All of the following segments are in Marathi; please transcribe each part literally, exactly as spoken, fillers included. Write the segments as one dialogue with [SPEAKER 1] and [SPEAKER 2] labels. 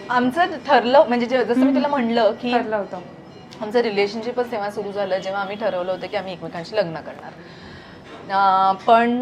[SPEAKER 1] आमचं ठरलं म्हणजे जे- जसं मी तुला म्हणलं की
[SPEAKER 2] ठरलं होतं
[SPEAKER 1] आमचं रिलेशनशिपच तेव्हा सुरू झालं जेव्हा आम्ही ठरवलं होतं की आम्ही एकमेकांशी लग्न करणार. अं, पण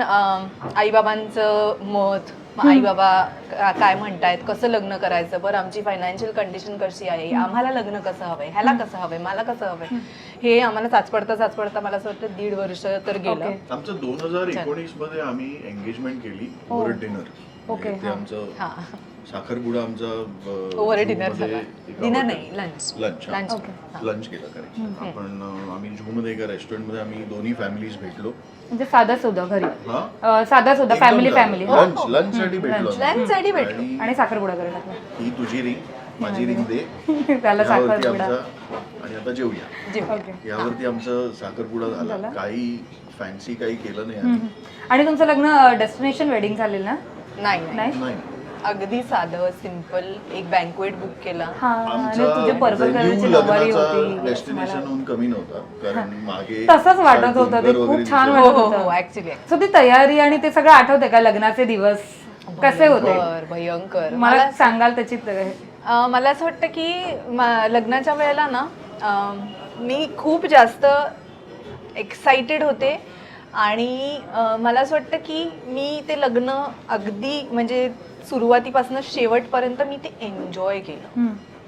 [SPEAKER 1] आईबाबांचं मत, मग आई बाबा काय म्हणतायत, कसं लग्न करायचं, बरं आमची फायनान्शियल कंडिशन कशी आहे, आम्हाला लग्न कसं हवंय, ह्याला कसं हवंय, मला कसं हवंय, हे आम्हाला चाचपडता चाचपडता मला असं वाटतं दीड वर्ष तर गेलं.
[SPEAKER 2] Okay.
[SPEAKER 3] आमचं दोन हजार एकोणीस मध्ये आम्ही एंगेजमेंट केली ओव्हर डिनर.
[SPEAKER 2] Okay,
[SPEAKER 3] ते
[SPEAKER 2] हा.
[SPEAKER 3] आमचं
[SPEAKER 1] हा
[SPEAKER 3] साखरपुडा आमचा
[SPEAKER 1] ओव्हर डिनर झाला. डिनर नाही, लंच
[SPEAKER 3] लंच
[SPEAKER 1] लंच
[SPEAKER 3] लंच केलं करेक्ट. आपण अं, आम्ही झूमध्ये एका रेस्टॉरंटमध्ये आम्ही दोन्ही फॅमिलीज भेटलो.
[SPEAKER 2] म्हणजे साधा सुद्धा घरी
[SPEAKER 3] हा
[SPEAKER 2] अं, साधा सुद्धा फॅमिली फॅमिली
[SPEAKER 3] लंच लंच साठी भेटलो आम्ही.
[SPEAKER 1] लंच साठी भेटलो.
[SPEAKER 3] आणि
[SPEAKER 2] आणि साखरपुडा करायला टाकला.
[SPEAKER 3] ही तुझी रिंग माझी रिंग दे
[SPEAKER 2] त्याला
[SPEAKER 3] यावरती
[SPEAKER 2] साखरपुडा
[SPEAKER 3] आमचा आणि आता जेवूया
[SPEAKER 1] जेवूया.
[SPEAKER 2] ओके
[SPEAKER 3] यावरती आमचं साखरपुडा झाला.
[SPEAKER 2] झाला.
[SPEAKER 3] काही फॅन्सी काही केलं नाही आम्ही.
[SPEAKER 2] आणि तुमचं लग्न डेस्टिनेशन वेडिंग झालेलं ना?
[SPEAKER 1] नाही नाही.
[SPEAKER 2] नाही
[SPEAKER 3] नाही
[SPEAKER 1] अगदी साधं सिंपल एक बँकवेट बुक केला.
[SPEAKER 2] हा आणि तुझे पर्पल कलरची
[SPEAKER 3] venue
[SPEAKER 2] नवारी
[SPEAKER 3] लग्नाचा
[SPEAKER 2] होती.
[SPEAKER 3] डेस्टिनेशन कमी नव्हता कारण मागे
[SPEAKER 2] तसंच वाटत होतं ते,
[SPEAKER 3] डोंगर
[SPEAKER 2] खूप
[SPEAKER 3] वगैरे
[SPEAKER 2] छान
[SPEAKER 3] दिसत
[SPEAKER 1] हो
[SPEAKER 2] वाटत
[SPEAKER 1] हो
[SPEAKER 2] होतं.
[SPEAKER 1] हो ऍक्च्युली
[SPEAKER 2] सो ती तयारी आणि ते सगळं आठवते का लग्नाचे दिवस कसे होते?
[SPEAKER 1] भयंकर भयंकर.
[SPEAKER 2] मला सांगाल त्याची त-
[SPEAKER 1] अं, मला असं वाटतं की मा- लग्नाच्या वेळेला ना अं, मी खूप जास्त एक्साइटेड होते आणि अं, मला असं वाटतं की मी ते लग्न अगदी म्हणजे सुरुवातीपासून शेवटपर्यंत मी ते एन्जॉय केलं.
[SPEAKER 2] हम्म.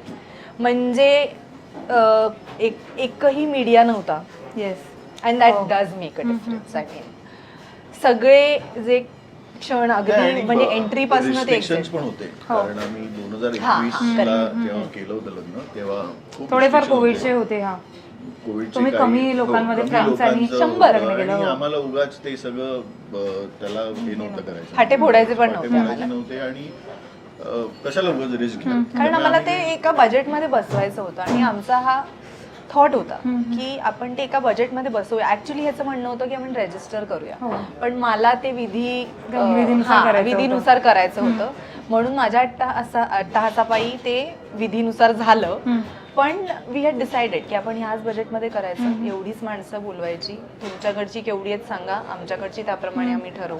[SPEAKER 1] म्हणजे अं, एक एकही मीडिया नव्हता
[SPEAKER 2] येस
[SPEAKER 1] अँड दॅट
[SPEAKER 2] हो.
[SPEAKER 1] Does make a difference. I mean सगळे जे क्षण अगदी म्हणजे एंट्री पासून ते
[SPEAKER 3] रिस्ट्रिक्शन्स
[SPEAKER 1] exit.
[SPEAKER 3] पण होते
[SPEAKER 2] हो.
[SPEAKER 3] कारण आम्ही दोन हजार
[SPEAKER 1] हा, हा,
[SPEAKER 3] एकवीस ला जेव्हा केलं होतं लग्न तेव्हा खूप
[SPEAKER 2] थोडेफार
[SPEAKER 3] restrictions
[SPEAKER 2] कोविडचे
[SPEAKER 3] होते.
[SPEAKER 2] होते. हा
[SPEAKER 3] कोविडचे
[SPEAKER 2] तुम्ही
[SPEAKER 3] काही-
[SPEAKER 2] कमी
[SPEAKER 3] हो,
[SPEAKER 2] लोकांमध्ये
[SPEAKER 3] कमी
[SPEAKER 2] friends आणि
[SPEAKER 3] लोकांचं
[SPEAKER 1] शंभर
[SPEAKER 3] होतं
[SPEAKER 2] लग्न केलं,
[SPEAKER 3] आणि
[SPEAKER 2] हो.
[SPEAKER 3] आम्हाला उगाच ते सगळं अं, त्याला हे नव्हतं करायचं.
[SPEAKER 1] फाटे फोडायचे पण
[SPEAKER 3] फाटे
[SPEAKER 1] नव्हते
[SPEAKER 3] फोडायचे नव्हते आणि अं, कशाला उगाच रिस्क घ्या.
[SPEAKER 1] कारण
[SPEAKER 3] त्यामुळे
[SPEAKER 1] आम्हाला ते
[SPEAKER 3] आम्ही-
[SPEAKER 1] एका बजेटमध्ये बसवायचं होतं आणि आमचा हा थॉट होता की आपण ते एका बजेटमध्ये बसवूया. ऍक्च्युली ह्याचं म्हणणं होतं की आपण रेजिस्टर करूया,
[SPEAKER 2] हो.
[SPEAKER 1] पण मला ते विधी अं,
[SPEAKER 2] विधीनुसार
[SPEAKER 1] हा,
[SPEAKER 2] करायचं होतं.
[SPEAKER 1] विधीनुसार करायचं होतं म्हणून माझ्या अट्टा अट्टाहासापायी ते विधीनुसार झालं.
[SPEAKER 2] हम्म.
[SPEAKER 1] पण वी हॅड डिसाइडेड की आपण ह्याच बजेटमध्ये करायचं, एवढीच माणसं बोलवायची, तुमच्याकडची केवढी आहेत सांगा, आमच्याकडची त्याप्रमाणे आम्ही ठरवू.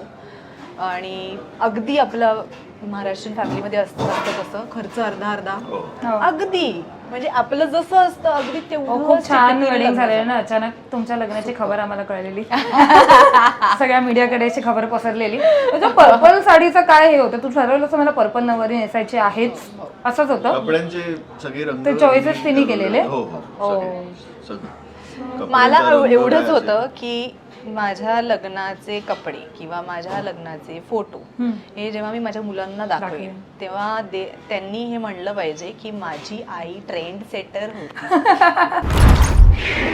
[SPEAKER 1] आणि अगदी आपलं महाराष्ट्रीयन फॅमिलीमध्ये असतं असतं तसं खर्च अर्धा अर्धा
[SPEAKER 3] हो.
[SPEAKER 2] हो.
[SPEAKER 1] अगदी म्हणजे आपलं जसं असतं अगदी
[SPEAKER 2] हो,
[SPEAKER 1] तेवढं
[SPEAKER 2] खूप छान
[SPEAKER 1] चिकटलेलं
[SPEAKER 2] वेडिंग
[SPEAKER 1] लग्न
[SPEAKER 2] झालेलं ना. अचानक तुमच्या लग्नाची खबर आम्हाला कळलेली. सगळ्या मीडियाकडे अशी खबर पसरलेली. तुझ्या पर्पल साडीचं काय हे होतं? तू ठरवलं असं मला पर्पल नवरी नेसायची आहेच असंच होतं?
[SPEAKER 3] कपड्यांचे सगळे रंग
[SPEAKER 2] ते choices
[SPEAKER 3] मी
[SPEAKER 2] तिने
[SPEAKER 3] ठरवले.
[SPEAKER 2] केलेले?
[SPEAKER 3] हो हो
[SPEAKER 2] हो.
[SPEAKER 3] सगळे सगळे.
[SPEAKER 1] मला
[SPEAKER 3] कपड्यांचा रंग
[SPEAKER 1] एवढंच
[SPEAKER 3] काय
[SPEAKER 1] होतं
[SPEAKER 3] असेल?
[SPEAKER 1] की माझ्या लग्नाचे कपडे किंवा माझ्या लग्नाचे फोटो
[SPEAKER 2] हम्म.
[SPEAKER 1] हे जेव्हा मी माझ्या मुलांना दाखवेन
[SPEAKER 2] दाखवेन.
[SPEAKER 1] तेव्हा दे- त्यांनी हे म्हणलं पाहिजे की माझी आई ट्रेंड सेटर होती.